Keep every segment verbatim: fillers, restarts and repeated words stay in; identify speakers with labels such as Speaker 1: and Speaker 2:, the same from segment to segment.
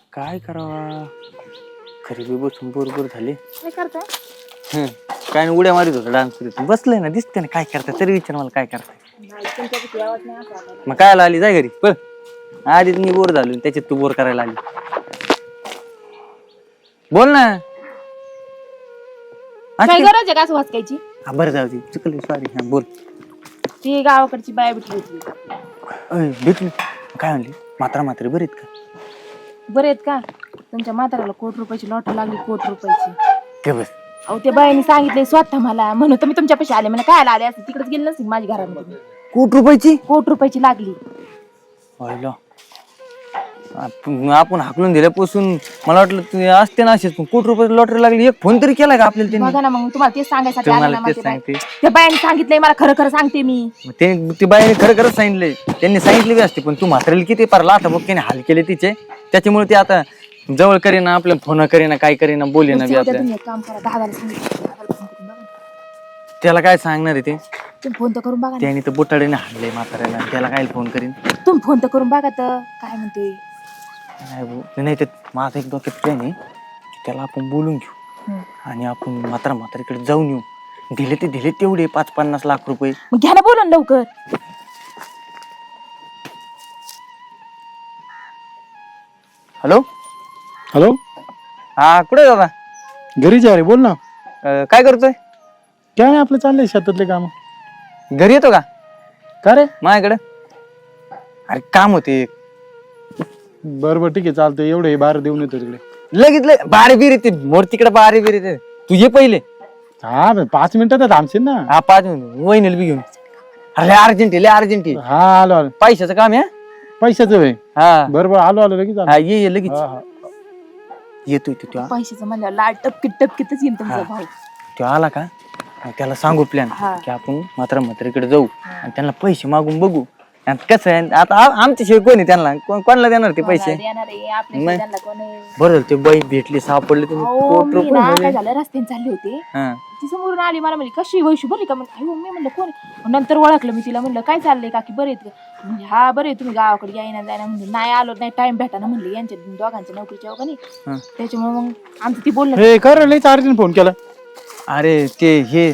Speaker 1: काय करावा खरी बी बसून बरोबर झाले.
Speaker 2: काय करताय?
Speaker 1: हं, काय नाही उड्या मारित होता डान्स करीत बसलंय ना दिसते ना काय करताय तरी विचार मला काय करताय.
Speaker 2: नाही तुमच्याकडे आवाज नाही असा आला.
Speaker 1: मग काय आली जाय घरी पण आधीच मी बोर झालो त्याच्यात तू बोर करायला आली. बोल ना.
Speaker 2: काय गरज आहे का असं वाचकायची?
Speaker 1: हा बरं जाऊ दे चुकली सॉरी. हा बोल.
Speaker 2: ती गावाकडची बाया भेटली होती.
Speaker 1: अय भेटली काय म्हणली मात्रा मात्री बरीत का?
Speaker 2: बरे आहेत का? तुमच्या म्हाताऱ्याला कोट रुपयाची लॉटरी लागली कोट रुपयाची.
Speaker 1: काय बस
Speaker 2: अहो त्या बायांनी सांगितले स्वतः मला म्हणून तर मी तुमच्या पैसे आले मला काय आले असते तिकडेच गेले नसते माझ्या घरामध्ये.
Speaker 1: कोट रुपयाची
Speaker 2: कोट रुपयाची लागली.
Speaker 1: पाहिलं आपण आपण हाकलून दिल्यापासून मला वाटलं तू असते ना असेच पण कोटी रुपये लॉटरी लागली एक फोन तरी केला का आपल्याला त्यांनी?
Speaker 2: बघा ना मग तुम्हाला तेच सांगायसाठी आले
Speaker 1: मला
Speaker 2: ना
Speaker 1: तेच
Speaker 2: माझे बाई.
Speaker 1: सांगते
Speaker 2: त्या बायांनी सांगितलंय मला खरं खरं सांगते मी.
Speaker 1: मग ते ती बाईने खरं खरंच सांगितलंय त्यांनी सांगितले बी असते पण तू म्हातारेल किती पार लाथा बघ हाल केले तिचे त्याच्यामुळे ते आता जवळ करेना आपल्या फोन करेना काय करेना बोले ना बी
Speaker 2: उद्या
Speaker 1: आपल्या
Speaker 2: तुम्ही एक काम करा दादाला सांगितलं दादाला फोन करून बघा.
Speaker 1: त्याला काय सांगणार आहे ते
Speaker 2: तुम्ही फोन तर करून बघा ना.
Speaker 1: त्याने तर बुटाडीने हाणले म्हाताऱ्याला त्याला काय फोन करीन
Speaker 2: तुम्ही फोन तर करून बघा तर काय म्हणते.
Speaker 1: नाही भाऊ, नाही ते माझा एक डोक्यात प्लॅन आहे की त्याला आपण बोलून घेऊ
Speaker 2: हम्म.
Speaker 1: आणि आपण म्हातारा म्हातारीकडे जाऊन येऊ दिले ते दिले तेवढे पाच पन्नास लाख रुपये.
Speaker 2: मग घ्या ना बोलून लवकर.
Speaker 1: हॅलो
Speaker 3: हॅलो
Speaker 1: हा कुठे दादा
Speaker 3: घरीच आहे रे बोल ना.
Speaker 1: अं, काय करतोय
Speaker 3: काय नाही आपलं चाललंय शेतातले काम.
Speaker 1: घरी येतो का
Speaker 3: का रे?
Speaker 1: माझ्याकडे अरे काम होते
Speaker 3: बरं बरं ठीक आहे चालतंय एवढे बाहेर देऊन येतो तिकडे.
Speaker 1: लगेच लगे बारे बिर येते मोर तिकडे बारे बिर येते तू ये पहिले.
Speaker 3: हा बरं, पाच मिनिटात थांबशील ना.
Speaker 1: हा पाच मिनिट वहिनीला बी घेऊन अरे अर्जंट लय अर्जंट
Speaker 3: हा आलो आलो
Speaker 1: पैशाचं काम आहे
Speaker 3: पैशाचं होय.
Speaker 1: हा
Speaker 3: बरं बरं आलो आलो लगेच आलो.
Speaker 1: हा ये ये लगेच
Speaker 3: हा, हा.
Speaker 1: येतोय तू तो
Speaker 2: पैशाचं म्हणलं लाल टपकीत टपकीतच येईल तुमचा भाऊ.
Speaker 1: तो आला का मग त्याला सांगू प्लॅन
Speaker 2: हा.
Speaker 1: की आपण मात्र म्हातारीकडे जाऊ आणि त्यांना पैसे मागून बघू आणि कसं आहे आता आ- आमच्याशिवाय कोणी त्यांना कोण- कोणाला देणार ते पैसे
Speaker 2: देणार आहे, आपल्या
Speaker 1: मग?
Speaker 2: शेजारला कोण आहे?
Speaker 1: बरं ते बाई भेटली सापडले तुम्ही
Speaker 2: अहो,
Speaker 1: कोट
Speaker 2: मी
Speaker 1: रुपये
Speaker 2: ना
Speaker 1: मध्ये.
Speaker 2: काय झालं रस्त्याने चालले होते
Speaker 1: हा.
Speaker 2: ती समोरून आली मला म्हणली कशी वैशू बरी का म्हणलं अयो मी म्हणलं कोण आहे? मग नंतर ओळखलं मी तिला म्हणलं काय चाललंय काकी बरे आहेत का म्हणजे हा बरे तुम्ही गावाकडे यायना जायना म्हणजे नाही आलो नाही टाइम भेटा ना म्हणले यांच्या दोघांच्या नोकरीच्या का नाही
Speaker 1: हा.
Speaker 2: त्याच्यामुळे मग आमचं ती बोललं
Speaker 3: हे कर लई चार्जिंग फोन केला.
Speaker 1: अरे ते हे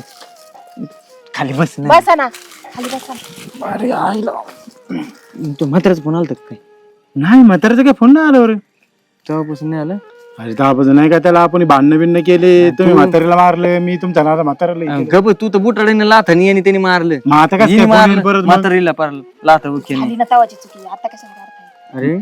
Speaker 1: खाली बस ना
Speaker 2: बसा ना खाली बसा.
Speaker 3: अरे आईला
Speaker 1: तो म्हाताराच फोन आलता का काय
Speaker 3: नाही म्हाताऱ्याचा काय फोन नाही आला रे.
Speaker 1: तेव्हापासून नाही आलं
Speaker 3: अरे दहा नाही का त्याला आपण भांडणं बिन्न केले तुम्ही म्हाताऱ्याला मारलं मी तुमच्या नाला म्हाताऱ्याला हे केलं.
Speaker 1: गप तू तर बुटाडीने लाथानी आणि त्यांनी मारलं
Speaker 3: मग आता कसं
Speaker 1: हिने
Speaker 3: काय फोन येईल
Speaker 1: मारलं
Speaker 3: परत मग?
Speaker 1: म्हातारीला पार लाथा उकेने
Speaker 2: खाली ना तवाची चुकी आता कशाला काढताय.
Speaker 1: अरे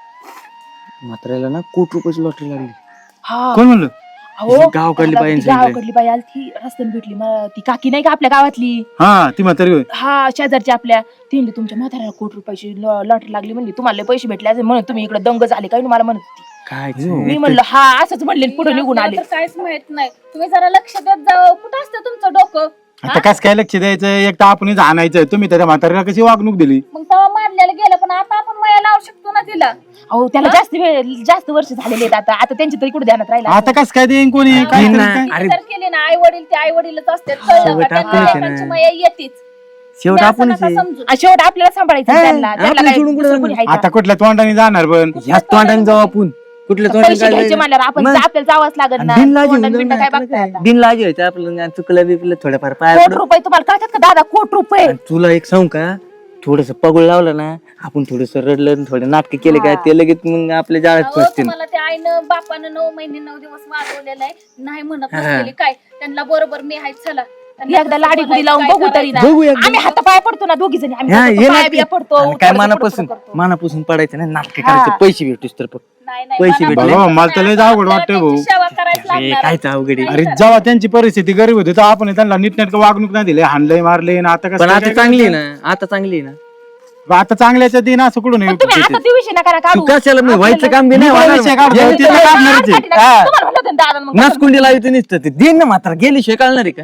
Speaker 1: म्हाताऱ्याला ना कोटी रुपयाची लॉटरी लागली.
Speaker 2: हा
Speaker 3: कोण म्हणलं?
Speaker 2: अहो
Speaker 1: गावाकडली
Speaker 2: त्याला
Speaker 1: बाई
Speaker 2: ती गावाकडली बाई आली ती रस्त्याने भेटली मग ती काकी नाही का आपल्या गावातली
Speaker 3: हा ती म्हातारी होय.
Speaker 2: हा शेजारची आपल्या ती म्हणली तुमच्या म्हाताऱ्याला कोटी रुपयाची लॉटरी लागली म्हणली तुम्हाला लय पैसे भेटले असे म्हणून तुम्ही इकडे दंग झाले काय मला म्हणत होती.
Speaker 1: काय
Speaker 2: मी म्हणलं हा असंच म्हणले पुढे निघून आले.
Speaker 4: तर काहीच माहित नाही तुम्ही जरा लक्ष देत जावं कुठं असतं तुमचं डोकं
Speaker 3: आता कस काय लक्ष द्यायचं एक तर आपण आणायचं तुम्ही त्याच्या म्हातारीला कशी वागणूक दिली.
Speaker 4: मग तेव्हा मारलेलं गेलं पण आता आपण माया लावू शकतो ना तिला
Speaker 2: अहो त्याला जास्त वेळ जास्त वर्ष झालेले आहेत आता आता त्यांच्या तरी कुठे ध्यानात राहिला
Speaker 3: आता कस काय देईन कोणी काय
Speaker 1: नाही
Speaker 3: तरी
Speaker 1: ना.
Speaker 3: काय?
Speaker 1: अरे
Speaker 4: जर केले ना आई वडील ते आई वडीलच असतात कळलं
Speaker 1: शेवट
Speaker 4: का? त्यांना
Speaker 1: आपणच आहे ना.
Speaker 4: लेकरांची माया येतेच
Speaker 1: शेवट
Speaker 4: तुम्ही असं
Speaker 1: आपणच
Speaker 4: नका
Speaker 1: आहे.
Speaker 4: समजू.
Speaker 2: आणि शेवट आपल्याला सांभाळायचं
Speaker 1: हा,
Speaker 2: त्यांना त्यांना
Speaker 1: आपल्याला
Speaker 2: काय
Speaker 1: सोडून कुठं
Speaker 2: दुसरं कोणी आहे का?
Speaker 3: आता कुठल्या तोंडाने जाणार पण
Speaker 1: ह्याच तोंडाने जाऊ आपण कुठल्या तोंडाने
Speaker 2: पैसे घ्यायचे म्हणल्यावर आपण
Speaker 1: मग?
Speaker 2: आपल्याला जावंच लागत ना
Speaker 1: बिन लाजी
Speaker 2: तोंडाने बिंडा काय बघताय आता?
Speaker 1: बिन लाजी व्हायचं आपलं चुकलं बिकलं थोडंफार पाय
Speaker 2: कोट
Speaker 1: पडून.
Speaker 2: रुपये तुम्हाला कळतात का दादा कोट रुपये
Speaker 1: आणि तुला एक सांगू का थोडस पगड लावलं ना आपण थोडस रडलं थोडे नाटक केले काय ते लगेच मग आपल्या जाळ्यात
Speaker 4: अहो,
Speaker 1: फसतील.
Speaker 4: तुम्हाला ते आईनं बापानं नऊ महिने नऊ दिवस वागवलेलं आहे नाही म्हणत नसलेली काय त्यांना बरोबर मी आहे चला त्यांना
Speaker 2: एकदा
Speaker 4: कसं
Speaker 2: लाडी गुडी लावून
Speaker 4: बोलायचं,
Speaker 2: बघू
Speaker 4: काय
Speaker 2: तरी ना
Speaker 1: बघू एकदा.
Speaker 2: आम्ही हात पाय पडतो ना दोघी जणी आम्ही
Speaker 1: हा,
Speaker 2: पडतो,
Speaker 1: ये
Speaker 2: पाया
Speaker 1: नाटके.
Speaker 2: बिया पडतो
Speaker 1: आणि काय
Speaker 2: थोडंसं
Speaker 1: मनापासून
Speaker 2: पुढं करतो.
Speaker 1: मनापासून पडायचं नाही नाटक
Speaker 2: हा.
Speaker 1: करायचं पैसे भेटूस तर फक्त.
Speaker 4: नाही, नाही,
Speaker 1: पैसे
Speaker 4: मनापासून
Speaker 1: भेटले.
Speaker 3: बाबा, मला तर लय
Speaker 4: नाही,
Speaker 3: अवघड
Speaker 4: आपल्याला
Speaker 3: वाटतंय
Speaker 4: त्यांची
Speaker 3: भाऊ.
Speaker 4: सेवा करायच
Speaker 1: हे
Speaker 4: लागणार
Speaker 1: कायच अवघड आहे.
Speaker 3: अरे जेव्हा त्यांची परिस्थिती गरीब होती तर आपण त्यांना नीटनेटकं वागणूक नाही दिली हाणलंय मारले आता कसं
Speaker 1: पण
Speaker 3: काय
Speaker 1: आता
Speaker 3: काय
Speaker 1: चांगली आहे ना आता चांगली आहे ना
Speaker 3: करायचं? आता चांगल्याच्या दिन असं कुठून
Speaker 2: पण तुम्ही आता ते विषय नका ना
Speaker 1: तू
Speaker 2: काढू
Speaker 1: कशाला मी व्हायचं काम बी नाही
Speaker 3: मी
Speaker 1: होणार.
Speaker 3: विषय काढतो,
Speaker 1: गेली
Speaker 3: ते
Speaker 1: तर
Speaker 3: नाही
Speaker 1: काढणार
Speaker 3: काढणारच
Speaker 1: ती.
Speaker 3: आहे.
Speaker 1: हा.
Speaker 2: तुम्हाला म्हणलं होतं ना दादा मग
Speaker 1: नसकुंडी लावायचं नुसतं ते दिन ना मात्र गेली शिवाय कळणार आहे का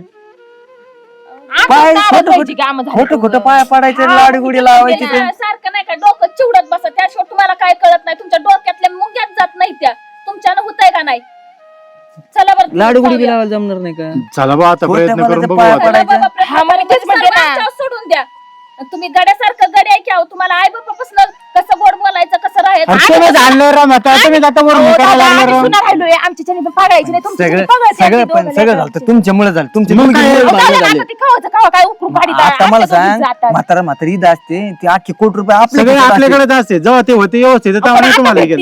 Speaker 2: आमचं
Speaker 1: पाय
Speaker 2: दादा
Speaker 1: खोटं
Speaker 2: जायची कामं झाली
Speaker 1: खोटं खोटं
Speaker 2: तेवढं.
Speaker 1: पाया पडायचं लाडी गुडी लावायची ते
Speaker 4: ना, सारखं नाही का डोकं चिवडत बसा त्याशिवाय तुम्हाला काय कळत नाही तुमच्या डोक्यातल्या मुंग्यात जात नाही त्या तुमच्यानं होतंय का नाही चला बरं
Speaker 1: लाडू गुडी बी
Speaker 4: जाऊया.
Speaker 1: लावायला जमणार नाही का
Speaker 3: चला बा आता
Speaker 1: खोट्या
Speaker 3: प्रयत्न करून
Speaker 1: बोलायचं
Speaker 3: बघू
Speaker 1: पाया
Speaker 3: आता.
Speaker 4: चला
Speaker 1: पडायचं.
Speaker 4: बाबा, प्रयत्न
Speaker 2: हा, मग
Speaker 4: करा.
Speaker 2: तेच म्हणते
Speaker 4: सर्व
Speaker 2: ना.
Speaker 4: आमच्यावर सोडून द्या तुम्ही गड्यासारखं गड्या आहे की अहो तुम्हाला आई बापापासून कसं गोड बोलायचं कसं राहायचं नाही
Speaker 3: अरे तुम्ही झालं राव म्हातारा, तुम्ही आता वर
Speaker 2: अहो,
Speaker 3: करायला
Speaker 2: दादा,
Speaker 3: लागला
Speaker 2: आम्ही
Speaker 3: राव.
Speaker 2: सुना राहिलोय आमच्याच्याने पण पागायची नाही तुमच्याच्याने
Speaker 1: सगळं
Speaker 2: पागायची
Speaker 1: सगळं
Speaker 2: आमची
Speaker 1: पण
Speaker 2: दोघं
Speaker 1: सगळं
Speaker 2: लेकरं.
Speaker 1: झालं तुमच्यामुळे झालं तुमच्या
Speaker 3: मग काय?
Speaker 1: मुलगीमुळे
Speaker 2: अहो,
Speaker 1: भांडणं
Speaker 2: दादा,
Speaker 1: झाले.
Speaker 2: आता ती कवाचं कवा काय उकरून काढी
Speaker 1: आता मला सांग म्हातारा म्हातारी ईद असते ती अख्खी कोटी रुपये
Speaker 3: सगळे
Speaker 1: आपल्या
Speaker 3: आपल्याकडेच असते, जेव्हा ते होते व्यवस्थित तेव्हा नाही तुम्हाला हे केलं.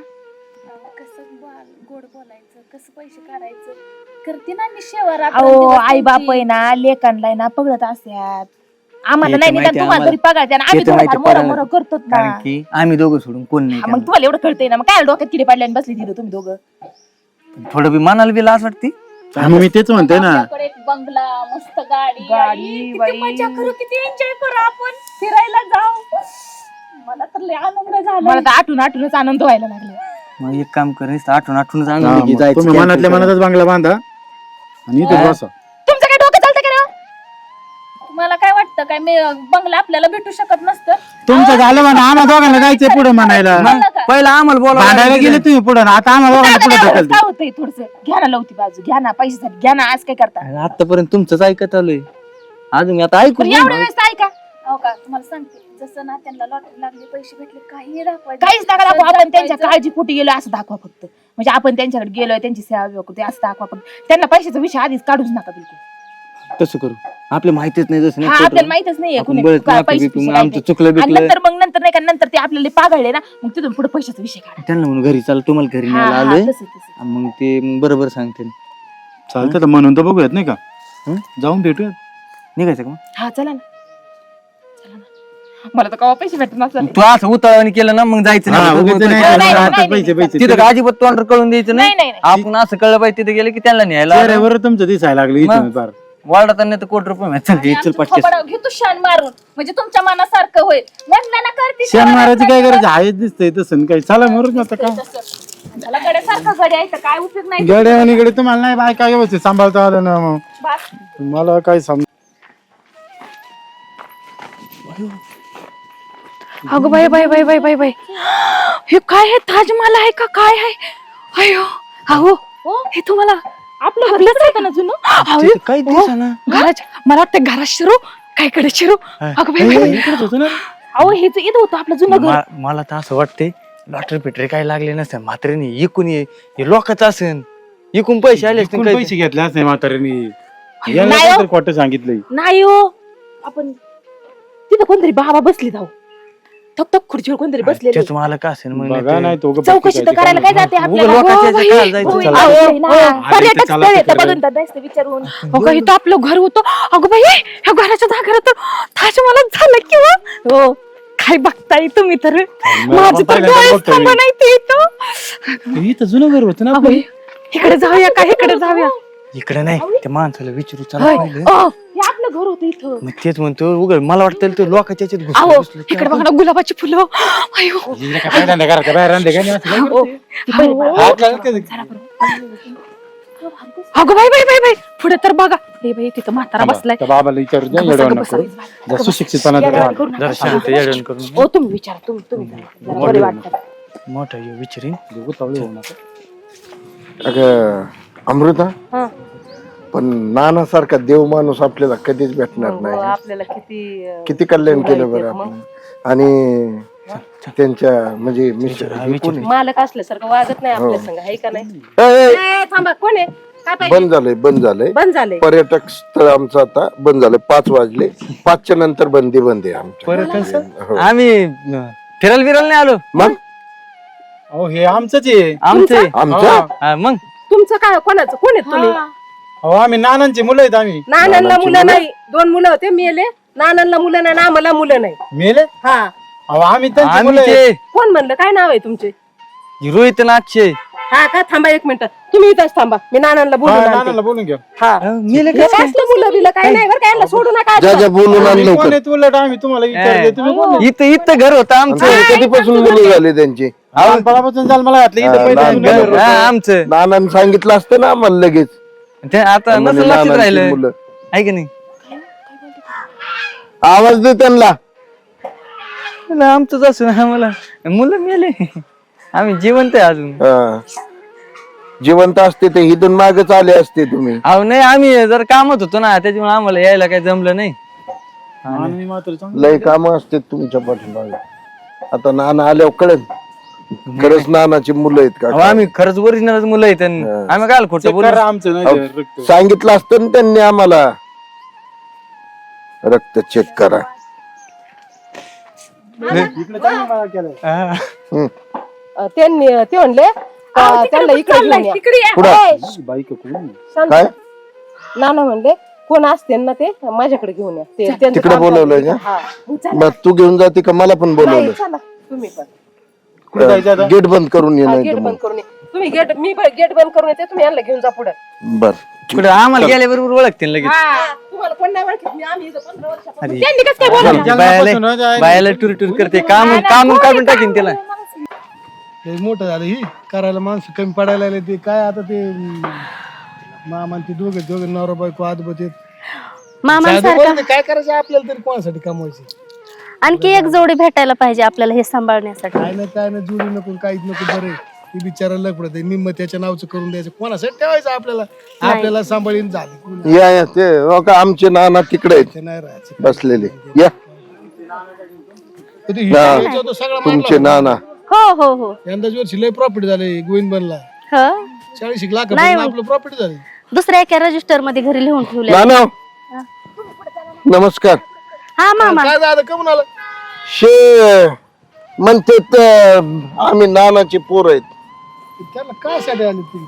Speaker 4: कसं बोल- गोड बोलायचं कसं पैसे काढायचं करते ना मी शेवा
Speaker 2: अहो आई बाप आहे ना लेकांना ना पगडत असतात आम्हाला
Speaker 1: ते
Speaker 2: नाही
Speaker 1: तर
Speaker 2: निदान
Speaker 1: माहिती
Speaker 2: तुम्हाला
Speaker 1: आम्हाला.
Speaker 2: तरी पगायचे आणि
Speaker 1: ते
Speaker 2: आम्ही
Speaker 1: तर माहिती
Speaker 2: थोडंफार मोरं
Speaker 1: पगार.
Speaker 2: मोरं करतो ना
Speaker 1: कारण की आम्ही दोघं सोडून कोण नाही
Speaker 2: हा, मग
Speaker 1: त्यामुळे.
Speaker 2: तुम्हाला एवढं कळतंय ना मग काय डोक्यात किडे पडले आणि बसली तिथं तुम्ही दोघं
Speaker 1: थोडं बी मनाला बी लाज वाटते
Speaker 3: आम्ही मी तेच म्हणतोय ना.
Speaker 4: आपल्याकडे एक बंगला मस्त गाडी
Speaker 2: गाडी,
Speaker 4: आई, किती
Speaker 2: बाई.
Speaker 4: मजा करू किती एन्जॉय करू आपण फिरायला जाऊ मला तर लय आनंद झाला
Speaker 2: मला तर आठून आठूनच आनंद व्हायला लागला
Speaker 1: मग एक काम कर आठवण आठवण
Speaker 3: हा,
Speaker 1: आनंद घे
Speaker 3: मग
Speaker 1: जायचं
Speaker 3: तुम्ही
Speaker 1: camping
Speaker 3: मनातल्या
Speaker 1: करायला.
Speaker 3: मनातच बांगला बांधा आणि इथे बसा.
Speaker 2: तुमचं काय डोकं चालतं का रे?
Speaker 4: तुम्हाला काय वाटतं काय मी बंगला आपल्याला भेटू शकत नसतं
Speaker 3: तुमचं झालं म्हणा, आम्हा दोघांना जायचंय पुढे म्हणायला.
Speaker 1: मग पहिला आम्हाला
Speaker 3: भांडायला
Speaker 1: बोला
Speaker 3: गेले तुम्ही पुढे, आता आम्हा दोघांना पुढे ढकलते.
Speaker 2: काय होतंय थोडस घ्या ना लवती बाजू घ्या ना पैशासाठी घ्या ना आज काय करता
Speaker 1: आतापर्यंत तुमचंच ऐकत आलोय अजून मी आता ऐकून
Speaker 2: पण एवढ्या वेळेस ऐका
Speaker 4: हो का तुम्हाला सांगते जसं ना त्यांना लॉटरी लागली पैसे भेटले काही दाखवायचं
Speaker 2: काहीच नका दाखवा आपण त्यांच्या काळजीपोटी गेलो असं दाखवा फक्त म्हणजे आपण त्यांच्याकडे गेलोय त्यांची सेवा करतोय असं दाखवा फक्त त्यांना पैशाचा विषय आधीच काढूच नका बिलकुल
Speaker 1: तसं करू आपल्या माहितीच नाही जसं
Speaker 2: हा
Speaker 1: नाही
Speaker 2: आपल्याला माहितच नाहीये
Speaker 1: आपण
Speaker 2: कुणी
Speaker 1: बरंच
Speaker 2: काय
Speaker 1: माफी
Speaker 2: पैसे
Speaker 1: बिफी,
Speaker 2: बिशे
Speaker 1: मग
Speaker 2: काय
Speaker 1: आमचं
Speaker 2: ते.
Speaker 1: चुकलं
Speaker 2: आणि
Speaker 1: बिकलं.
Speaker 2: नंतर मग नंतर नाही का नंतर ते आपल्याला पागळले ना मग तिथून पुढे पैशाचा विषय काढा
Speaker 1: त्यांना म्हणून घरी चाल तुम्हाला घरी
Speaker 2: हा,
Speaker 1: न्यायला
Speaker 2: हा,
Speaker 1: आलोय
Speaker 2: तसं, तसं.
Speaker 1: मग ते मग बरोबर सांगते
Speaker 3: चालतं तर म्हणून तर बघूयात नाही का,
Speaker 1: हं?
Speaker 3: जाऊन भेटूयात.
Speaker 1: निघायचं का मग?
Speaker 2: हा चला ना चला ना मला तर कवा पैसे भेटत नसतात
Speaker 1: तू असं उतावळाने केलं ना मग जायचं
Speaker 3: हा,
Speaker 1: नाही.
Speaker 3: उगीच
Speaker 1: तू-
Speaker 3: नाही,
Speaker 2: नाही,
Speaker 3: नाही,
Speaker 2: नाही,
Speaker 3: आता
Speaker 2: नाही,
Speaker 3: पैसे पैसे
Speaker 1: तिथं का अजिबात तोंड कळून द्यायचं
Speaker 2: नाही
Speaker 1: नाही
Speaker 2: नाही नाही.
Speaker 1: आपण असं कळलं पाहिजे तिथे गेले की त्यांना न्यायला आलं.
Speaker 3: चेहऱ्यावर तुमचं दिसायला लागलं इथून
Speaker 1: मग?
Speaker 3: फार.
Speaker 1: वाढताना तर कोटी रुपये मिळतात. चल हे चल पटकेस
Speaker 4: घेतो शान मारून म्हणजे तुमच्या मनासारखं होईल म्हणलं ना करते
Speaker 3: शेण मारायची काय गरज आहे, आहेच दिसतंय तसं काही. चला मरून आता काय
Speaker 4: मला गड्यासारखं गड्या आहे तर काय उपयोग नाही
Speaker 3: गड्या आणि गडे तुम्हाला नाही बाय काय व्यवस्थित सांभाळता आलं ना मग
Speaker 4: बास.
Speaker 3: मला काय सांग.
Speaker 2: अगं बाई बाई बाई बाई बाई बाई हे काय आहे ताजमहल आहे का काय आहे अयो अहो हे तुम्हाला आपलं घरच आहे का ना जुनं अहो,
Speaker 1: तिथं काही
Speaker 2: हो.
Speaker 1: दिसेना.
Speaker 2: घराच्या मला वाटतं घरात शिरू काय कडे शिरू अगं बाई बाई, बाई
Speaker 3: इकडेच होतं ना.
Speaker 2: अहो हेच इथं होतं आपलं जुनं घर
Speaker 1: मा- मला तर असं वाटतंय लॉटरी पिटरी काय लागले नसते म्हातारीने इकून ये हे लोकांचं असेल इकून पैसे आले असतील
Speaker 3: कोण
Speaker 1: काही.
Speaker 3: पैसे घेतले असते म्हाताऱ्याने,
Speaker 2: नाही
Speaker 3: यांना
Speaker 2: हो.
Speaker 3: तर खोटं सांगितलंय.
Speaker 2: नाही हो आपण तिथं कोणतरी बाबा बसली जाऊ थक थक खुर्चीवर कोणतरी बसलेले
Speaker 1: त्याच मला का असेल मग
Speaker 3: बघा नाही तो गप्प
Speaker 2: चौकशी तर
Speaker 3: बसायची
Speaker 2: करायला
Speaker 3: काय
Speaker 2: काय जाते
Speaker 1: उगा
Speaker 2: आपल्याला
Speaker 1: लोकांच्या
Speaker 2: हो,
Speaker 1: याच्यात
Speaker 2: बाई,
Speaker 1: काय जायचं?
Speaker 2: हो,
Speaker 3: चला.
Speaker 2: अहो,
Speaker 3: हो,
Speaker 2: ना,
Speaker 3: हो.
Speaker 2: पर्यटक
Speaker 3: आधी चला
Speaker 2: स्थळ आहे,
Speaker 3: तिकडे.
Speaker 2: तर बघून तर जायचं विचारून हो का इथं आपलं घर होतं अगं बाई ह्या घराच्या जागा तर ताजमहल झालं किंवा हो काय बघताय तुम्ही तर माझं तर
Speaker 3: पहिल्यांदा
Speaker 2: डोळेच
Speaker 3: बघतोय.
Speaker 2: थांबा नाही ते इथं
Speaker 3: इथं जुनं घर होतं ना
Speaker 2: अगं बाई, इकडे जाऊया का इकडे जाऊया
Speaker 1: इकडे नाही त्या माणसाला विचारू चला
Speaker 2: होय.
Speaker 1: पहिलं.
Speaker 2: अ, हे आपलं घर होतं इथं
Speaker 1: मग तेच म्हणतो उघड मला वाटतं ते लोकांच्या याच्यात घुसलं-
Speaker 2: अहो
Speaker 1: घुसलं की
Speaker 2: इकडे बघा ना गुलाबाची फुलं अयो
Speaker 3: हिला काय पहिल्यांदा घराच्या बाहेर आणले काय नाही असं काय?
Speaker 2: अहो, ती बरी बाई.
Speaker 3: हात लागत काय?
Speaker 2: अगं बाई बाई बाई बाई पुढे तर बघा हे बाई तिथं म्हातारा
Speaker 3: थांबा,
Speaker 2: बसलाय
Speaker 3: त्या बाबाला विचारू द्या,
Speaker 2: गप्प
Speaker 3: येडवण
Speaker 2: बसा,
Speaker 3: नको.
Speaker 2: गप्प बसा.
Speaker 3: जरा सुशिक्षितपणाचं
Speaker 2: येड्यावानी
Speaker 3: राहा.
Speaker 2: करू नका.
Speaker 1: जरा शांत येडण करून
Speaker 2: ओ तुम्ही विचारा तुम्ही तुम्ही जरा बरे वाटतं
Speaker 1: मोठा ये विचारीन
Speaker 3: दोघं तवळे होऊ नका.
Speaker 5: अगं अमृता
Speaker 2: हं.
Speaker 5: पण नानासारखा देव माणूस आपल्याला कधीच भेटणार नाही
Speaker 2: आपल्याला किती अं,
Speaker 5: किती कल्याण केलं बरं आपण आणि त्यांच्या म्हणजे मिस्टर हे कोण आहे?
Speaker 6: मालक असल्यासारखं वागत नाही
Speaker 5: हो.
Speaker 6: आपल्या संग आहे का नाही
Speaker 5: ए, ए,
Speaker 6: ए, थांबा कोण आहे काय पाहिजे
Speaker 5: बंद झालंय बंद झालंय
Speaker 6: बंद झाले
Speaker 5: पर्यटक स्थळ आमचं आता बंद झालंय पाच वाजले पाचच्या नंतर बंदी बंद आहे आमच्या हो.
Speaker 1: आम्ही अं, फिरायला बिरायला नाही आलो
Speaker 5: मग
Speaker 3: अहो हे आमचंच आहे.
Speaker 1: आमचे
Speaker 5: आमच्या
Speaker 1: हा, मग
Speaker 6: तुमचं काय कोणाचं कोण आहेत तुम्ही
Speaker 3: अहो आम्ही नानांची मुलं आहेत आम्ही.
Speaker 6: नानांना
Speaker 5: नानांची
Speaker 6: मुलं
Speaker 5: मुलं?
Speaker 6: नाही दोन मुलं होते मेले नानांना मुलं नाही ना आम्हाला मुलं नाही
Speaker 3: मेले
Speaker 6: हा
Speaker 3: अहो आम्ही त्यांची
Speaker 1: आम्ही
Speaker 3: मुलं आहेत.
Speaker 1: ते
Speaker 6: कोण म्हणलं काय नाव आहे तुमचे
Speaker 1: रोहित नागशे
Speaker 6: हा का थांबा एक मिनिट तुम्ही इथंच थांबा मी नानांना बोलून
Speaker 3: हा,
Speaker 6: आणते.
Speaker 3: नानाला बोलून घ्या.
Speaker 6: हा
Speaker 1: मेले
Speaker 6: हे असलं मुलं बिलं काय नाही बरं काय यांना सोडू नका
Speaker 5: ज्या ज्या बोलून आण
Speaker 3: तुम्ही कोण
Speaker 5: लवकर
Speaker 3: आहेत उलट आम्ही तुम्हाला विचारले तुम्ही कोण आहेत?
Speaker 1: इथं इथं घर होतं आमचं
Speaker 5: आणि कधीपासून मुलं झाले त्यांची
Speaker 3: लहानपणापासून झालं मला घातलं इथं
Speaker 5: हा,
Speaker 3: पहिले
Speaker 5: लहान
Speaker 3: जुनं घर
Speaker 5: घर
Speaker 3: होतं.
Speaker 1: हा, आमचं
Speaker 5: नानांनी सांगितलं असतं ना आम्हाला लगेच
Speaker 1: ते आता
Speaker 5: म्हणे
Speaker 1: नसेल लक्षात
Speaker 5: नानांची
Speaker 1: राहिलं
Speaker 5: मुलं.
Speaker 1: आहे की नाही
Speaker 5: आवाज दे त्यांना
Speaker 1: म्हणलं आमचंच असून आम्हाला मुलं मेले आम्ही जिवंत आहे अजून
Speaker 5: हा. जिवंत असते ते इथून मागच आले असते तुम्ही
Speaker 1: अहो नाही आम्ही जर कामत होतो ना त्याच्यामुळे आम्हाला यायला काही जमलं नाही
Speaker 3: आणि मात्र चांगलं.
Speaker 5: लय काम असते तुमच्या पाठीमागे आता नाना आल्यावर कळेल खरंच नानाची मुलं आहेत का
Speaker 1: अहो, आम्ही खरंच ओरिजिनल मुलं आहेत आणि
Speaker 5: हा.
Speaker 1: आम्ही काय खोटं
Speaker 3: चेक
Speaker 1: बोलू
Speaker 3: करा आमचं नाही
Speaker 5: अहो,
Speaker 3: ते रक्त.
Speaker 5: सांगितलं असतं ना त्यांनी आम्हाला रक्त चेक करा.
Speaker 3: इकडे चांगलं मला केलंय.
Speaker 1: हा.
Speaker 5: हम्म.
Speaker 6: अं, त्यांनी ते म्हणले का त्यांना इकडे घेऊन या.
Speaker 4: तिकडे या.
Speaker 5: पुढं.
Speaker 3: बाई का कोण?
Speaker 6: शांत
Speaker 5: काय?
Speaker 6: बसा. नाना म्हणले कोण असते ना ते माझ्याकडे घेऊन या ते त्यांचं
Speaker 5: तिकडे
Speaker 6: काम
Speaker 5: बोलवलंय
Speaker 6: चाललंय.
Speaker 5: का?
Speaker 6: हा.
Speaker 5: मग तू घेऊन जाते का मला पण
Speaker 6: नाही,
Speaker 5: बोलवलं
Speaker 6: चला तुम्ही पण
Speaker 3: कुठे जायचं आता?
Speaker 5: गेट बंद करून ये
Speaker 6: हा,
Speaker 5: नाही
Speaker 6: गेट
Speaker 5: तर
Speaker 6: बंद
Speaker 5: मग.
Speaker 6: करून ये. तुम्ही गेट मी गेट बंद करून येते तुम्ही यांना घेऊन जा पुढे
Speaker 5: बर
Speaker 1: कुठे आम्हाला गेल्याबरोबर ओळखतील लगेच
Speaker 6: तुम्हाला कोण नाही ओळखत मी आम्ही इथं पंधरा वर्षापासून
Speaker 1: अरे.
Speaker 2: त्यांनी कसं काय बोलवलं?
Speaker 3: जन्मापासून ना
Speaker 1: बायाला
Speaker 3: जाय-
Speaker 1: बायाला टूर टूर करते काम काम काढून टाकीन त्याला.
Speaker 7: लय मोठं झालं ही करायला माणसं कमी पडायला लागले ते काय आता ते मामा ते दोघे दोघे नवरा बायको आदबत येत
Speaker 8: मामांसारखा
Speaker 7: काय करायचं आपल्याला तरी कोणासाठी कमवायचे
Speaker 8: आणखी एक जोडी भेटायला पाहिजे आपल्याला हे सांभाळण्यासाठी.
Speaker 7: काय ना काय ना जुडी नको काहीच नको बरे ती बिचारा लपडत आहे निम्म त्याच्या नावचं करून द्यायचं कोणासाठी ठेवायचं आपल्याला आपल्याला सांभाळीन झाली कोणी
Speaker 5: या या ते हो का आमचे नाना तिकडे आहेत
Speaker 7: ते नाही राहायचं
Speaker 5: बसलेले या
Speaker 7: कधी
Speaker 5: हा.
Speaker 7: हिशोब होतो सगळा
Speaker 5: तुमचे
Speaker 7: मारला.
Speaker 5: नाना
Speaker 8: हो हो हो
Speaker 7: यंदाच वर्षी लय प्रॉफिट झाले गोविंद बनला
Speaker 8: हो
Speaker 7: चाळीस एक लाख
Speaker 8: नाही.
Speaker 7: आपलं प्रॉफिट झाले
Speaker 8: दुसऱ्या एका रजिस्टर मध्ये घरी लिहून ठेवले.
Speaker 5: नाना नमस्कार.
Speaker 8: हा मामा
Speaker 7: काय झालं कमून आलं
Speaker 5: शे म्हणते तर आम्ही नानाचे पोर आहेत.
Speaker 7: त्याला काय साठी आले तुम्ही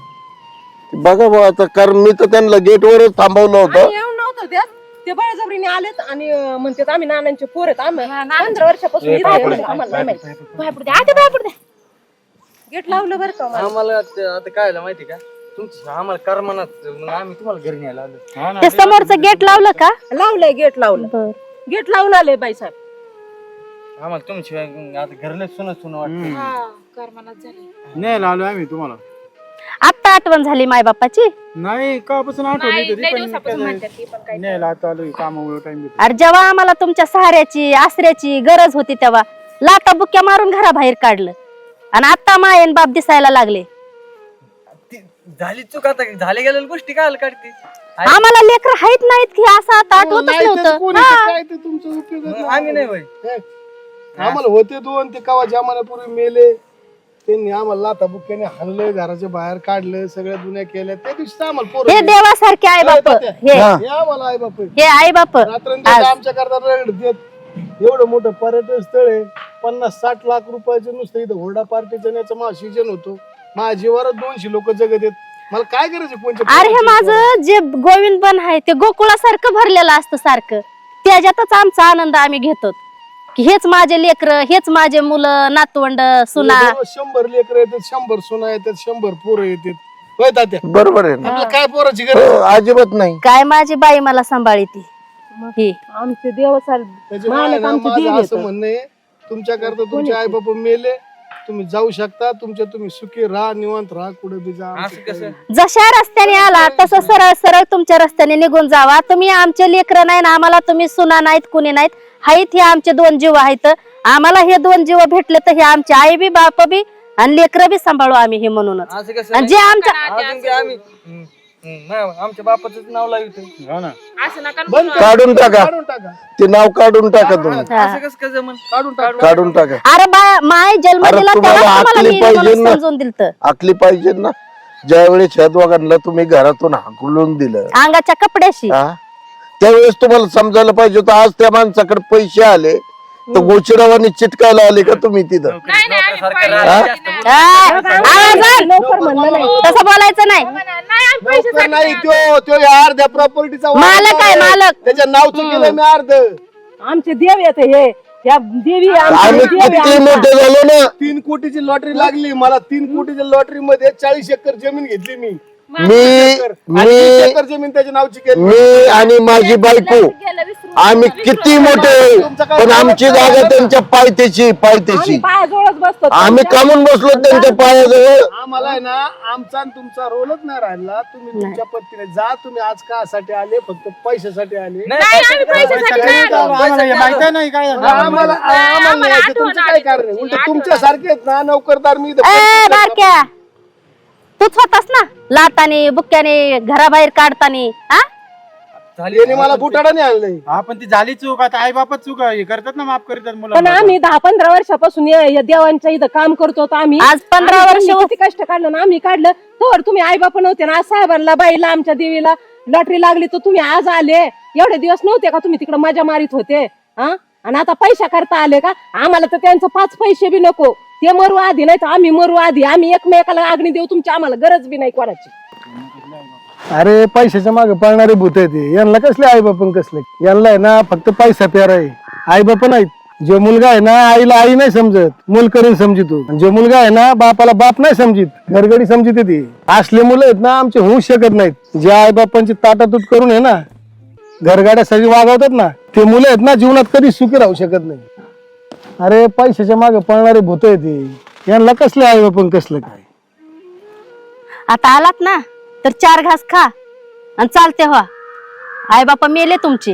Speaker 5: बघा भाऊ आता कारण मी तर त्यांना गेटवरच थांबवलं होतं.
Speaker 6: आम्ही येऊन नव्हतो त्यात ते बळजबरीने आलेत आणि अं, म्हणतात आम्ही नानांचे पोर आहेत आम्ही पंधरा वर्षापासून इथे आहे. आम्हाला नाही माहिती.
Speaker 2: बाहेर पडू द्या. आधी बाहेर पडू द्या.
Speaker 6: गेट लावलं बरं का मला.
Speaker 1: आम्हाला ते आता काय झालं माहिती का तुमची आम्हाला करमनात मग आम्ही तुम्हाला घरी न्यायला आलो.
Speaker 3: हा ना,
Speaker 8: ते समोरचं गेट लावलं का?
Speaker 6: लावलंय गेट लावलं
Speaker 8: बर
Speaker 6: गेट लावून आले बाई साहेब
Speaker 1: आम्हाला तुमशिवाय आता घरला सुन सुन वाटतं.
Speaker 2: हा, करमनाच झाली.
Speaker 3: न्यायला आलो आम्ही तुम्हाला.
Speaker 8: आत्ता आठवण झाली माय बापाची.
Speaker 3: नाही कापासून आठवली
Speaker 2: नाही,
Speaker 3: तरी
Speaker 2: लय
Speaker 3: पण
Speaker 2: दिवसापासून
Speaker 3: काय-
Speaker 2: म्हणतात ती पण काय.
Speaker 3: न्यायला आता आलो कामामुळे टाइम देतो.
Speaker 8: अरे जेव्हा आम्हाला तुमच्या सहाऱ्याची आसऱ्याची गरज होती तेव्हा लाटा बुक्या मारून घराबाहेर काढलं आणि आता मायन बाप दिसायला लागले.
Speaker 1: ती झाली चूक आता झाले गेलेल्या गोष्टी काय काढते.
Speaker 8: आम्हाला लेकर हायत नाहीत की असं आता आठवतच
Speaker 7: नाही तेच
Speaker 8: नव्हतं.
Speaker 7: कोणी
Speaker 8: हा.
Speaker 7: तर काय ते तुमचं उपयोग
Speaker 1: मग आम्ही नाही होय.
Speaker 7: आम्हाला होते दोन ते कवा जमान्यापूर्वी मेले त्यांनी आम्हाला लाथा बुक्याने हाणलं घराच्या बाहेर काढलं सगळ्या दुनिया केल्या त्या दिवशी आम्हाला पोरं
Speaker 8: हे
Speaker 7: दिली.
Speaker 8: देवासारखे आई बाप
Speaker 7: होत्या.
Speaker 8: हे
Speaker 5: हा.
Speaker 7: हे आम्हाला आई बाप
Speaker 8: हे आई बाप
Speaker 7: रात्रंदिवस आमच्या करता रगड देत एवढं मोठं पर्यटन स्थळ आहे पन्नास साठ लाख रुपयाचे नुसतं इथं हुरडा पार्टीचं याचं माझं सीजन होतो माझ्या जीवावर दोनशे लोक जगत येत मला काय करायचं कोणत्या
Speaker 8: अरे हे
Speaker 7: पोरांची
Speaker 8: माझं जे गोविंद बन आहे ते गोकुळासारखं भरलेलं असतं सारखं त्याच्यातच आमचा आनंद आम्ही घेतो की हेच माझे लेकर हेच माझे मुलं नातवंड सुना.
Speaker 7: दररोज शंभर लेकर येतात शंभर सुना येतात शंभर पोरं येतात होय तात्या
Speaker 5: बरोबर आहे ना
Speaker 7: आपल्याला काय पोराची
Speaker 5: हो,
Speaker 7: गरज
Speaker 5: अजिबात नाही.
Speaker 8: काय माझी बाई मला सांभाळी ती ही
Speaker 6: आमचे देवासारखे
Speaker 7: त्याच्यामुळे
Speaker 6: मालक
Speaker 7: ना
Speaker 6: आमचे
Speaker 7: माझं
Speaker 6: देव
Speaker 7: असं
Speaker 6: येतात.
Speaker 7: म्हणणं आहे तुमच्या करता तुमचे आई बाबा मेले तुम्ही जाऊ शकता तुमच्या तुम्ही सुखी राहा निवांत राहा कुठे बी जा
Speaker 1: असं कसं
Speaker 8: जशा रस्त्याने आला तसं सरळ सरळ तुमच्या रस्त्याने निघून जावा. तुम्ही आमचे लेकर नाही ना आम्हाला तुम्ही सुना नाहीत कुणी नाहीत हाईत हे आमचे दोन जीव आहेत. आम्हाला हे दोन जीव भेटले तर हे आमचे आई बी बाप बी आणि लेकर बी सांभाळू आम्ही हे म्हणूनच.
Speaker 1: असं कसं
Speaker 8: आणि जे आमच्या
Speaker 1: अजून बी आम्ही हम्म, हम्म, नाही, आमच्या बापाच नाव लावितो.
Speaker 3: हो ना.
Speaker 2: असं नका ना
Speaker 7: बंद
Speaker 2: बोलू.
Speaker 5: काढून टाका
Speaker 7: काढून टाका
Speaker 5: ते नाव काढून टाका तुम्ही
Speaker 1: असं कसं कसं जमन
Speaker 7: काढून टाका
Speaker 5: काढून टाका.
Speaker 8: अरे बा माय जन्म
Speaker 5: अरे
Speaker 8: दिला
Speaker 5: तुम्हाला
Speaker 8: तेव्हा तुम्हाला
Speaker 5: आखली
Speaker 8: मी
Speaker 5: पाहिजे
Speaker 8: म्हणून
Speaker 5: ना.
Speaker 8: समजून दिलत.
Speaker 5: आखली पाहिजे ना ज्यावेळेस ह्या दोघांना तुम्ही घरातून हाकलून दिलं
Speaker 8: अंगाच्या कपड्याशी
Speaker 5: हा त्यावेळेस तुम्हाला समजायला पाहिजे होतं आज त्या माणसाकडे पैसे आले तर गोचिडावानी चिटकायला आले का तुम्ही तिथं.
Speaker 2: नाही, नाही, आम्ही
Speaker 1: सारखं
Speaker 2: पाहिलं.
Speaker 1: राहत
Speaker 2: नाही,
Speaker 1: जास्त
Speaker 8: आ, आवाज आण.
Speaker 6: लवकर म्हणलं नाही
Speaker 8: तसं बोलायचं नाही.
Speaker 2: नाही, आम्ही पैसे
Speaker 7: लवकर नाही त्यो त्यो या अर्ध्या प्रॉपर्टीचा
Speaker 8: मालक आहे, मालक.
Speaker 7: त्याच्या नावचं केलं मी अर्ध
Speaker 6: आमचे देव येत हे या देवी
Speaker 5: आम्ही
Speaker 6: आमचे देव आहे
Speaker 5: किती
Speaker 6: आमचा.
Speaker 5: मोठे झालो ना
Speaker 7: तीन कोटीची लॉटरी लागली मला तीन कोटीच्या लॉटरी मध्ये चाळीस एकर जमीन घेतली मी
Speaker 5: मी
Speaker 7: आणि वीस
Speaker 5: मी
Speaker 7: एकर जमीन त्याच्या नावची केली
Speaker 5: मी आणि माझी बायको आम्ही किती मोठे पण आमची जागा त्यांच्या पायथ्याची पायथ्याची
Speaker 6: आम्ही पायाजवळच बसतो
Speaker 5: आम्ही कामून बसलो त्यांच्या पायाजवळ.
Speaker 7: आम्हाला आहे ना आमचा आणि तुमचा रोलच नाही राहिला तुम्ही तुमच्या पद्धतीने जा तुम्ही आज कासाठी आले फक्त पैशासाठी आले
Speaker 1: नाही,
Speaker 2: नाही, आम्ही
Speaker 1: पैसे-
Speaker 2: पैशासाठी
Speaker 1: पैसे-
Speaker 2: नाही आलो.
Speaker 3: आम्हाला हे माहिती नाही काय झालं.
Speaker 7: आम्हाला आम्हाला
Speaker 2: आम्हाला
Speaker 7: यायचं
Speaker 2: आठवण
Speaker 7: तुमचं काय
Speaker 2: आली
Speaker 7: कारण आहे?
Speaker 2: तुमची,
Speaker 7: उलट
Speaker 2: आठवण
Speaker 7: तुमच्या सारखे आहेत ना नोकरदार मी इथं
Speaker 8: ए
Speaker 7: पंचवीस लाख
Speaker 8: बारक्या तूच होतास ना लाटाने बुक्क्याने घराबाहेर काढतानी हा
Speaker 7: यांनी मला बुटाडाने आणलंय.
Speaker 3: हा पण ती झाली चूक, आता आई बापच चूक हे करतात ना, माफ करतात
Speaker 6: पण
Speaker 3: मुलं.
Speaker 6: आम्ही दहा पंधरा वर्षापासून या या देवांच्या इथं काम करतो तर आम्ही
Speaker 8: आज पंधरा
Speaker 6: आम्ही
Speaker 8: वर्ष
Speaker 6: त्यांनी किती कष्ट काढलं ना आम्ही काढलं. तर तुम्ही आई बाप नव्हते ना, आज साहेबांना बाईला आमच्या देवीला लॉटरी लागली तर तुम्ही आज आले. एवढे दिवस नव्हते का तुम्ही तिकडे मजा मारित होते हा? आणि आता पैसा करता आले का? आम्हाला तर त्यांचं पाच पैसे बी नको, ते मरू आधी नाही तर आम्ही मरू आधी. आम्ही एकमेकाला अग्नी देऊ, तुमची आम्हाला गरज बी नाही कोणाची.
Speaker 7: अरे पैशाच्या मागे पळणारे भूत आहे ते. यांना कसले आई बापन कसले, यांना आहे ना फक्त पैसा प्यारा आहे, आई बाप नाहीत. जो मुलगा आहे ना आईला आई नाही समजत, मूल करून समजितो. जो मुलगा आहे ना बापाला बाप नाही समजित, घरगडी समजित ती. असले मुलं आहेत ना आमचे होऊ शकत नाहीत. जे आई बापांची ताटातूट करून आहे ना घरगाड्या सगळी वागवतात ना, ते मुलं आहेत ना जीवनात कधी सुखी राहू शकत नाही. अरे पैशाच्या मागे पळणारे भूत आहे ते. यांना कसले आई बापन कसलं काय.
Speaker 8: आता आलात ना तर चार घास खा आणि चालते व्हा. आई बापा मेले तुमचे.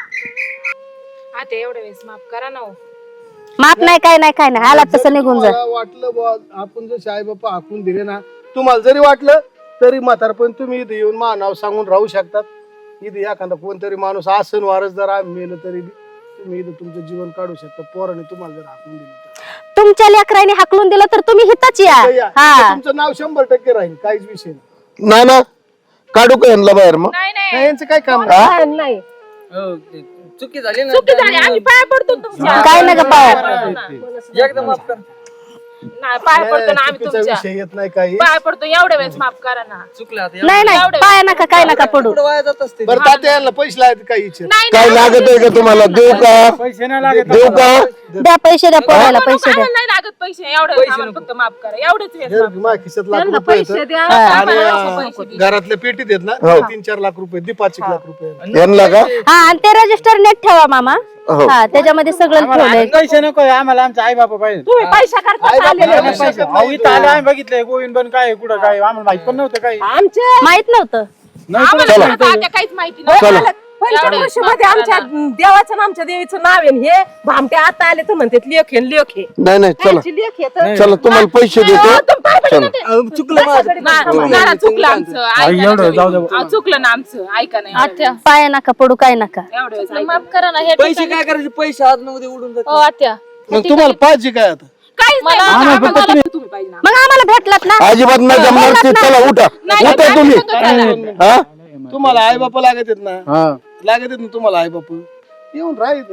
Speaker 2: आता एवढ्या वेळेस माफ करा ना हो.
Speaker 8: माफ नाही काय नाही काय नाही, आलात तसं निघून जा.
Speaker 7: तुम्हाला वाटलं बुवा आपण जसे आई बाप्पा हाकून दिले ना, तुम्हाला जरी वाटलं तरी म्हातारपण तुम्ही इथे येऊन मा नाव सांगून राहू शकतात. इथे एखादा कोणतरी माणूस आसन वारस जर आम्ही मेलं तरी बी तुम्ही इथे तुमचं जीवन काढू शकता. पोराने तुम्हाला जर हाकून दिलं तर.
Speaker 8: तुमच्या लेकरांनी हाकलून दिलं तर तुम्ही हिताच या.
Speaker 7: तर या.
Speaker 8: हा
Speaker 7: तुमचं नाव शंभर टक्के राहील, काहीच विषय नाही.
Speaker 5: ना ना काढू का यांना बाहेर मग?
Speaker 2: नाही नाही
Speaker 7: नाही, यांचं काय काम
Speaker 6: हा, नाही
Speaker 1: चुकी झाली ना,
Speaker 2: चुकी झाली, आम्ही पाया पडतो तुमच्या.
Speaker 8: काय नका पाया.
Speaker 1: एकदम माफ कर.
Speaker 2: नाही पाया पडतो ना आम्ही
Speaker 7: चुकीचा
Speaker 2: तुमच्या.
Speaker 7: विषय येत नाही काही.
Speaker 2: पाया पडतो एवढ्या वेळेस माफ करा ना.
Speaker 1: चुकलं आता.
Speaker 8: नाही नाही पाया नका काय नका पडू.
Speaker 1: पुढं वाया जात असते.
Speaker 7: बरं तात्या यांना पैसे लागत काही इच्छा
Speaker 2: नाही
Speaker 5: काय लागत आहे का तुम्हाला? देऊ का?
Speaker 3: पैसे नाही लागत.
Speaker 5: देऊ का?
Speaker 8: द्या पैसे द्या पोराला पैसे द्या.
Speaker 2: नाही लागत पैसे, एवढ्या वेळेस आम्हाला फक्त माफ करा. एवढेच वेळेस माफ करा.
Speaker 7: माझ्या खिशात लाख
Speaker 6: त्यांना
Speaker 7: रुपये
Speaker 6: पैसे
Speaker 7: आहेत.
Speaker 6: द्या.
Speaker 7: आणि
Speaker 2: पैसे
Speaker 7: अं, घरातल्या पेटीत आहेत ना
Speaker 5: हो.
Speaker 7: तीन चार लाख रुपये दे, पाच एक लाख रुपये.
Speaker 5: यांना का?
Speaker 8: हा आणि ते रजिस्टर नेट ठेवा मामा.
Speaker 5: हो.
Speaker 8: हा त्याच्यामध्ये सगळं ठेवलंय.
Speaker 3: पैसे नको आम्हाला, आमचे आई बाप पाहिजे.
Speaker 6: तुम्ही पैसा करता
Speaker 7: आई
Speaker 6: आलेले
Speaker 7: बापाला
Speaker 6: नाही.
Speaker 7: पैसे
Speaker 3: अहो, इथं आले आम्ही बघितलंय गोविंद बन काय कुठं काय आम्हाला माहित पण नव्हतं काही.
Speaker 6: आमचे
Speaker 8: माहित नव्हतं.
Speaker 2: आम्हाला पण आता आता काहीच माहिती नाही.
Speaker 5: चला.
Speaker 6: पंचवर्षी मध्ये आमच्या देवाचं आणि आमच्या देवीचं नाव आहे. हे भामटे आता आले तर म्हणतात लेख आहे लेख आहे.
Speaker 5: नाही नाही चला
Speaker 6: त्यांची लेख आहे तर
Speaker 5: चला तुम्हाला पैसे देतो. चला
Speaker 1: चुकलं माझं.
Speaker 2: ना- ना- ना, चुकलं आमचं. ऐका ना
Speaker 3: एवढं जाऊ
Speaker 2: तुम्ही.
Speaker 3: दे.
Speaker 2: अहो, चुकलं ना आमचं. ऐका नाही
Speaker 4: आत्या
Speaker 8: पाया नका पडू काय नका.
Speaker 2: एवढ्या वेळेस ऐका.
Speaker 4: माफ करा ना. हे
Speaker 1: पैसे काय करायचे, पैसे आज न उद्या उडून जातील.
Speaker 4: हो आत्या
Speaker 7: मग तुम्हाला पाहिजे काय आता?
Speaker 2: काहीच नाही. आम्हाला आम्हाला तुम्ही पाहिजे ना.
Speaker 8: मग आम्हाला भेटलात ना.
Speaker 5: अजिबात नाही जमणार ते. चला उठा
Speaker 2: नाही,
Speaker 5: उठा
Speaker 2: नाही,
Speaker 5: तुम्ही.
Speaker 2: नाही,
Speaker 5: हा
Speaker 7: तुम्हाला आई बापा लागत आहेत ना,
Speaker 3: हा.
Speaker 7: लागत आहेत ना तुम्हाला आई बाप. येऊन राहायचं.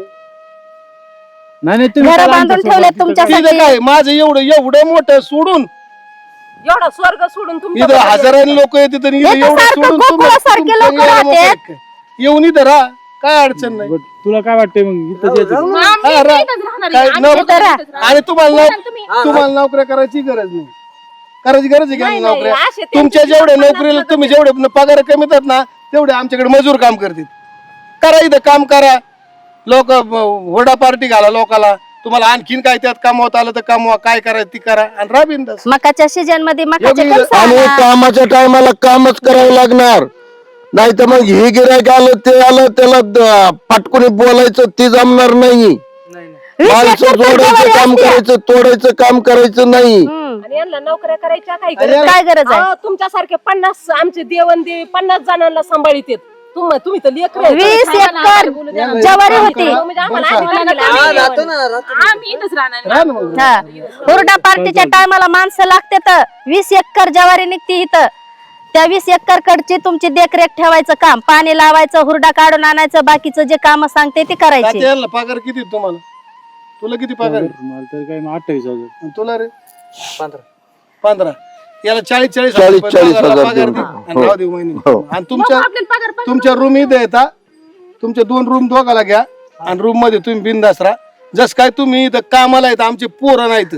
Speaker 3: नाही नाही तुम्ही
Speaker 8: घर
Speaker 3: चला
Speaker 8: बांधून
Speaker 3: आमच्या
Speaker 8: ठेवले
Speaker 3: सोबत.
Speaker 8: तुमच्यासाठी.
Speaker 7: इथं काय माझं एवढं एवढं मोठं सोडून
Speaker 6: एवढा स्वर्ग सोडून तुमच्या
Speaker 7: इथं हजारांनी लोक येतात आणि इथं
Speaker 8: इथं
Speaker 7: एवढं
Speaker 8: सारखं
Speaker 7: सोडून तुम्ही-
Speaker 8: गोकुळासारखे
Speaker 7: तुमचं
Speaker 8: लोकं
Speaker 7: एवढं
Speaker 8: राहतात.
Speaker 7: मोठं आहे काय? येऊन इथं राहा, काय अडचण नाही.
Speaker 3: बरं, तुला काय वाटतंय मग इथं यायचं?
Speaker 2: मग आम्ही
Speaker 7: हा, रा-
Speaker 2: इथंच राहणार आहे.
Speaker 7: काय
Speaker 2: आम्ही
Speaker 7: नोक-
Speaker 2: इथंच राहणार आहे.
Speaker 7: आणि तुम्हाला
Speaker 2: बोला ना
Speaker 7: नोक-
Speaker 2: तुम्ही.
Speaker 7: तुम्हाला नोकऱ्या करायची गरज नाही. करायची गरज आहे का
Speaker 6: नाही,
Speaker 7: नाही
Speaker 6: नाही,
Speaker 7: नोकऱ्या?
Speaker 6: असे त्यांचे
Speaker 7: तुमच्या
Speaker 6: जीवन
Speaker 7: जेवढे
Speaker 6: पन्नास
Speaker 7: नोकरीला
Speaker 6: हजार
Speaker 7: तुम्ही जेवढे पगार कमी येतात ना तेवढे आमच्याकडे मजूर काम करतील. करा इथं काम करा. लोक होडा पार्टी घाला लोकाला. तुम्हाला आणखीन काय त्यात कामवत आलं तर कामवा, काय करायचं ती करा आणि राहा बिनधास्त.
Speaker 8: मकाच्या सीजन मध्ये मकाचे
Speaker 7: योग्य-
Speaker 8: कणसं
Speaker 5: आणि
Speaker 8: आणा.
Speaker 5: कामाच्या टायमाला कामच करावं लागणार. नाही तर मग हे गिरायक आलं ते आलं त्याला द- फाटकुनी बोलायचं ते जमणार नाही.
Speaker 8: वीस
Speaker 5: माणसं
Speaker 8: एकर
Speaker 5: जोडायचं
Speaker 8: जवारी
Speaker 5: काम
Speaker 8: असते.
Speaker 5: करायचं, तोडायचं काम करायचं नाही.
Speaker 8: हम्म.
Speaker 6: आणि यांना नोकऱ्या करायच्या काही
Speaker 7: आणि
Speaker 6: गरज
Speaker 8: काय गरज आहे?
Speaker 6: अहो, तुमच्यासारखे पन्नास आमचे देवन देवी पन्नास जणांना सांभाळीत आहेत. तुम- तुम्ही तर लेकर आहे.
Speaker 8: वीस एकर जवारी होती.
Speaker 6: म्हणजे आम्हाला आधी
Speaker 2: बोला ना,
Speaker 6: सांगितलं.
Speaker 2: आम्ही
Speaker 1: हा, राहतो ना, राहतो ना.
Speaker 2: आम्ही इथंच राहणार आहे.
Speaker 7: राहा ना मग.
Speaker 8: हा हुरडा पार्टीच्या टायमाला माणसं लागते तर वीस एकर जवारी निघते इथं. त्या वीस एकर कडची तुमची देखरेख ठेवायचं काम, पाणी लावायचं, हुरडा काढून आणायचं, बाकीचं जे काम सांगते ते करायचे.
Speaker 7: तात्या यांना पगार किती आहे तुम्हाला? तुला किती पगार आहे?
Speaker 3: मला तर काय मग अठ्ठावीस हजार.
Speaker 7: आणि तुला रे
Speaker 1: पंधरा.
Speaker 7: पंधरा. याला चाळीस चाळीस
Speaker 5: चाळीस-
Speaker 7: रुपये
Speaker 5: चाळीस
Speaker 7: पगार
Speaker 5: हजार
Speaker 7: पगार
Speaker 5: देऊ.
Speaker 7: दे
Speaker 5: हो.
Speaker 7: आणि राहू दे महिने.
Speaker 5: हो.
Speaker 7: आणि तुमच्या
Speaker 2: आपल्याला पगार पगार
Speaker 7: तुमच्या रूम इथे येतात. तुमच्या दोन रूम दोघाला घ्या आणि रूम मध्ये तुम्ही बिनधास्त राहा. जस काय तुम्ही इथं कामाला येत आमचे पोरं नाहीत.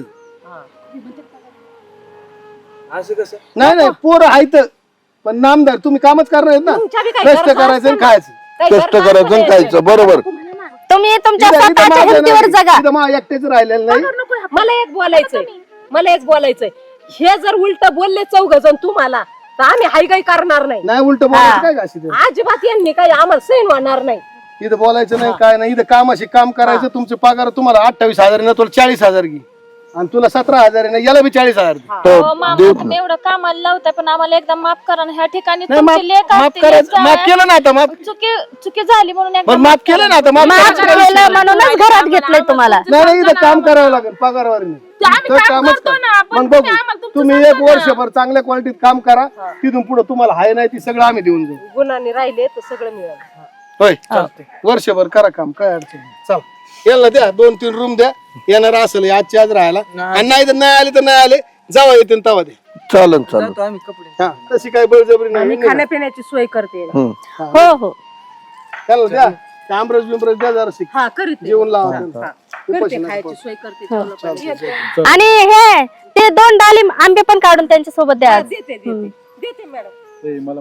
Speaker 1: असं कसं?
Speaker 7: नाही नाही पोरं आहेत पण नामदार तुम्ही कामच करणार आहेत ना.
Speaker 6: तुमच्या बी काही
Speaker 7: कष्ट
Speaker 6: गरज
Speaker 7: करायचं आणि
Speaker 6: असते ना.
Speaker 7: खायचं.
Speaker 6: काही
Speaker 5: कष्ट
Speaker 6: गरज
Speaker 5: करायचं आणि
Speaker 6: असते.
Speaker 5: खायचं बरोबर.
Speaker 8: तुम्ही तुमच्या
Speaker 7: इथं- इथं
Speaker 8: स्वतःच्या
Speaker 7: माझं
Speaker 8: हिमतीवर
Speaker 7: नाही.
Speaker 8: जगा.
Speaker 7: इथं मा एकटेच राहिलेलं नाही.
Speaker 6: मला एक बोलायचंय मला एक बोलायचंय हे जर उलट बोलले चौघ जण तुम्हाला तर आम्ही हायगाई करणार नाही.
Speaker 7: नाही उलट बोलायचं काय घाशी ते.
Speaker 6: अजिबात यांनी काही आम्हाला सैन होणार नाही.
Speaker 7: इथं बोलायचं नाही काय नाही. इथं कामाशी काम करायचं. तुमचे पगार तुम्हाला अठ्ठावीस हजार ना तुला चाळीस हजार घे आणि तुला सतरा हजार आहे ना, याला बी चाळीस हजार दे.
Speaker 5: तर
Speaker 4: हो मामा
Speaker 5: देऊ
Speaker 4: तुम्ही एवढं कामाला लावताय पण आम्हाला एकदा माफ करा ना. ह्या ठिकाणी
Speaker 7: नाही, माफ
Speaker 4: तुमची लेख
Speaker 7: माफ
Speaker 4: असते,
Speaker 7: करायचं
Speaker 4: लेक
Speaker 7: माफ
Speaker 4: जावई.
Speaker 7: केलं ना आता माफ
Speaker 4: चुकी चुकी झाली म्हणून एकदा
Speaker 7: बरं माफ केलं ना आता माफ
Speaker 8: माफ
Speaker 7: करायचं काय विषय
Speaker 8: केलं
Speaker 7: नाही.
Speaker 8: म्हणूनच घरात घेतलंय तुम्हाला.
Speaker 7: नाही नाही, इथं काम करावं लागेल पगारवारी नाही.
Speaker 2: आम्ही
Speaker 7: तर
Speaker 2: काम
Speaker 7: कामच
Speaker 2: करतो
Speaker 7: करा.
Speaker 2: ना, पण
Speaker 7: मग
Speaker 2: तुम्ही
Speaker 7: बघू
Speaker 2: आम्हाला तुमचं
Speaker 7: तुम्ही
Speaker 2: सांगा
Speaker 7: एक
Speaker 2: ना.
Speaker 7: वर्षभर चांगल्या क्वालिटीत काम करा. तिथून पुढे तुम्हाला हाय नाही ती सगळं आम्ही देऊन जाऊ.
Speaker 6: गुणांनी राहिले तर सगळं मिळेल.
Speaker 7: होय वर्षभर करा काम, काय अडचण नाही. चल याला द्या दोन तीन रूम द्या. येणार असेल आजची आज राहायला, आणि नाही तर नाही आले तर नाही आले, जावा येते तवा दे.
Speaker 5: चालन चालन.
Speaker 1: जातो आम्ही कपडे.
Speaker 7: हा तशी काय बळजबरी
Speaker 6: आणि
Speaker 7: नाही.
Speaker 6: खाण्यापिण्याची सोय करते.
Speaker 5: हम्म.
Speaker 8: हो हो
Speaker 7: त्याला द्या ते आमरस बिमरस द्या जरा शिक
Speaker 6: हा करीत
Speaker 7: जेवण लावा त्यांना.
Speaker 6: करते, खायची सोय करते. जेवलं पाहिजे.
Speaker 8: आणि हे ते दोन डाळिंब आंबे पण काढून त्यांच्या सोबत द्या आज.
Speaker 6: देते देते देते मॅडम.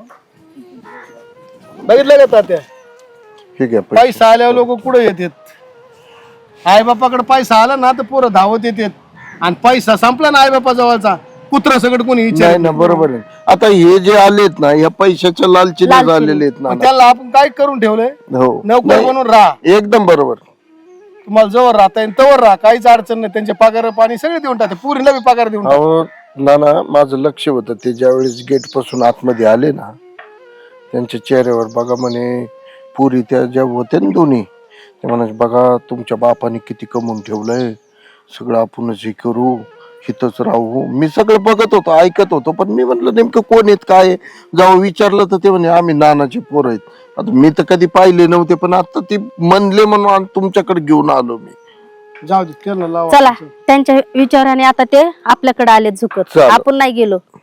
Speaker 7: बघितलं का तात्या,
Speaker 5: ठीक आहे.
Speaker 7: पैसा आल्यावर लोक कुठे येतात. आई बापाकडे पैसा आला ना तर पोरं धावत येतात, आणि पैसा संपला ना आई बापा जवळचा कुत्रा सगळं कोणी
Speaker 5: नाही
Speaker 7: विचार.
Speaker 5: ना, बरोबर आहे. आता हे जे आलेत ना, या पैशाच्या लालचीने
Speaker 8: लालचीने.
Speaker 5: झालेले आहेत ना.
Speaker 7: त्याला आपण काय करून ठेवलंय,
Speaker 5: हो
Speaker 7: नोकर
Speaker 5: नाही,
Speaker 7: म्हणून राहा.
Speaker 5: एकदम बरोबर.
Speaker 7: तुम्हाला जवळ राहता येईल तवर राहा, काहीच अडचण नाही. त्यांचे पगार पाणी सगळे देऊन टाकते, पुरीला बी पगार देऊन टाकते.
Speaker 5: अहो ना ना, माझं लक्ष होतं ते ज्यावेळेस गेट पासून आतमध्ये आले ना, त्यांच्या चेहऱ्यावर बघा म्हणे, पुरी त्या ज्या होत्या ना दोन्ही, ते म्हणायचे बघा तुमच्या बापाने किती कमवून ठेवलंय, सगळं आपणच हे करू, हिथंच राहू. मी सगळं बघत होतो, ऐकत होतो, पण मी म्हटलं नेमकं कोण आहेत काय आहे? जेव्हा विचारलं तर ते म्हणे आम्ही नानाचे पोर आहेत. आता मी तर कधी पाहिले नव्हते, पण आता ती म्हणले म्हणून तुमच्याकडे घेऊन आलो मी.
Speaker 7: जाऊ दे, त्याला लावा.
Speaker 8: चला त्यांच्या विचाराने आता ते आपल्याकडे आले झुकत.
Speaker 5: चालेल.
Speaker 8: आपण नाही गेलो.